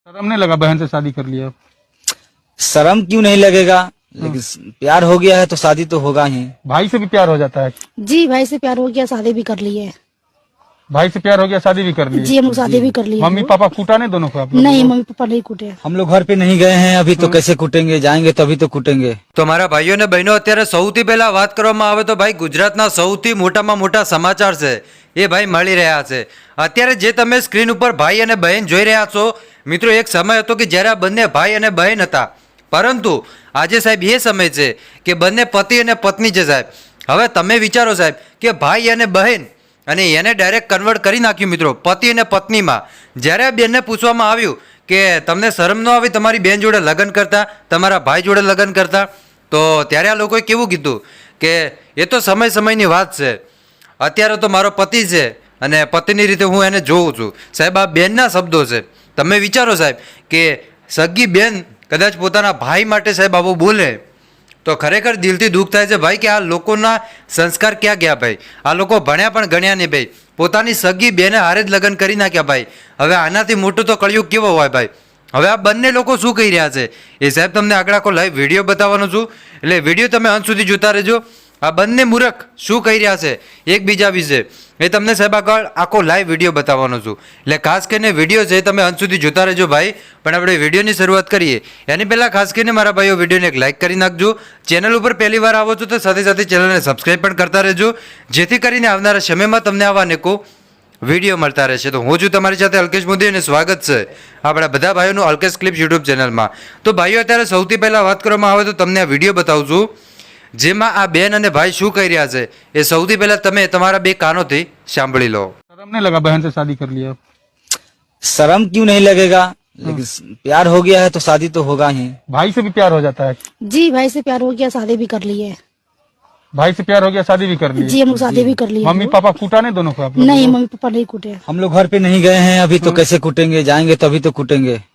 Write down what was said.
शर्म नहीं लगा बहन से शादी कर लिया? शर्म क्यों नहीं लगेगा, लेकिन प्यार हो गया है तो शादी तो होगा ही। भाई से भी प्यार हो जाता है? जी भाई से प्यार हो गया, शादी भी कर ली है। भाई से प्यार हो गया, शादी भी कर ली? जी हम लोग शादी भी कर लिए। मम्मी पापा कूटा नहीं दोनों को आप लोग? नहीं मम्मी पापा नहीं कूटे। हम लोग घर पे नहीं गए हैं अभी, तो कैसे कूटेंगे, जाएंगे तभी तो कूटेंगे। તો મારા ભાઈઓ અને બહેનો અત્યારે સૌથી પહેલા વાત કરવામાં આવે તો ભાઈ ગુજરાતના સૌથી મોટામાં મોટા સમાચાર છે એ ભાઈ મળી રહ્યા છે અત્યારે જે તમે સ્ક્રીન ઉપર ભાઈ અને બહેન જોઈ રહ્યા છો મિત્રો એક સમય હતો કે જ્યારે આ બંને ભાઈ અને બહેન હતા પરંતુ આજે સાહેબ એ સમય છે કે બંને પતિ અને પત્ની છે સાહેબ હવે તમે વિચારો સાહેબ કે ભાઈ અને બહેન અને એને ડાયરેક્ટ કન્વર્ટ કરી નાખ્યું મિત્રો પતિ અને પત્નીમાં જ્યારે આ બેનને પૂછવામાં આવ્યું કે તમને શરમ ન આવી તમારી બેન જોડે લગ્ન કરતા તમારા ભાઈ જોડે લગ્ન કરતા તો ત્યારે આ લોકોએ કેવું કીધું કે એ તો સમય સમયની વાત છે અત્યારે તો મારો પતિ છે અને પતિની રીતે હું એને જોઉં છું સાહેબ આ બેનના શબ્દો છે તમે વિચારો સાહેબ કે સગી બેન કદાચ પોતાના ભાઈ માટે સાહેબ આવું બોલે તો ખરેખર દિલથી દુઃખ થાય છે ભાઈ કે આ લોકોના સંસ્કાર ક્યાં ગયા ભાઈ આ લોકો ભણ્યા પણ ગણ્યા નહીં ભાઈ પોતાની સગી બેને હારે જ લગ્ન કરી નાખ્યા ભાઈ હવે આનાથી મોટું તો કળિયુગ કેવો હોય ભાઈ હવે આ બંને લોકો શું કહી રહ્યા છે એ સાહેબ તમને આગળ આખો લાઈવ વિડીયો બતાવવાનો છું એટલે વિડીયો તમે અંત સુધી જોતા રહેજો આ બંને મૂર્ખ શું કહી રહ્યા છે એકબીજા વિશે એ તમને સાહેબ આગળ આખો લાઈવ વિડીયો બતાવવાનો છું એટલે ખાસ કરીને વિડીયો છે તમે અંત સુધી જોતા રહેજો ભાઈ પણ આપણે વિડીયોની શરૂઆત કરીએ એની પહેલાં ખાસ કરીને મારા ભાઈઓ વિડીયોને એક લાઇક કરી નાખજો ચેનલ ઉપર પહેલી વાર આવો છો તો સાથે સાથે ચેનલને સબસ્ક્રાઈબ પણ કરતા રહેજો જેથી કરીને આવનારા સમયમાં તમને આવા અનેકો વિડીયો મળતા રહેશે તો હું છું તમારી સાથે અલ્કેશ મોદી અને સ્વાગત છે આપણા બધા ભાઈઓનું અલ્કેશ ક્લિપ્સ યુટ્યુબ ચેનલમાં તો ભાઈઓ અત્યારે સૌથી પહેલાં વાત કરવામાં આવે તો તમને આ વિડીયો બતાવું છું જેમાં આ બેન અને ભાઈ શું કહી રહ્યા છે એ સૌથી પહેલા તમે તમારા બે કાનોથી સાંભળી લો शर्म नहीं लगा बहन से शादी कर लिया? शर्म क्यों नहीं लगेगा, लेकिन प्यार हो गया है तो शादी तो होगा ही। भाई से भी प्यार हो जाता है? जी भाई से प्यार हो गया, शादी भी कर ली है। भाई से प्यार हो गया, शादी भी कर ली? जी हम लोग शादी भी कर लिए। मम्मी पापा कूटा नहीं दोनों को आप लोग? नहीं मम्मी पापा नहीं कूटे। हम लोग घर पे नहीं गए हैं अभी, तो कैसे कूटेंगे, जाएंगे तभी तो कूटेंगे।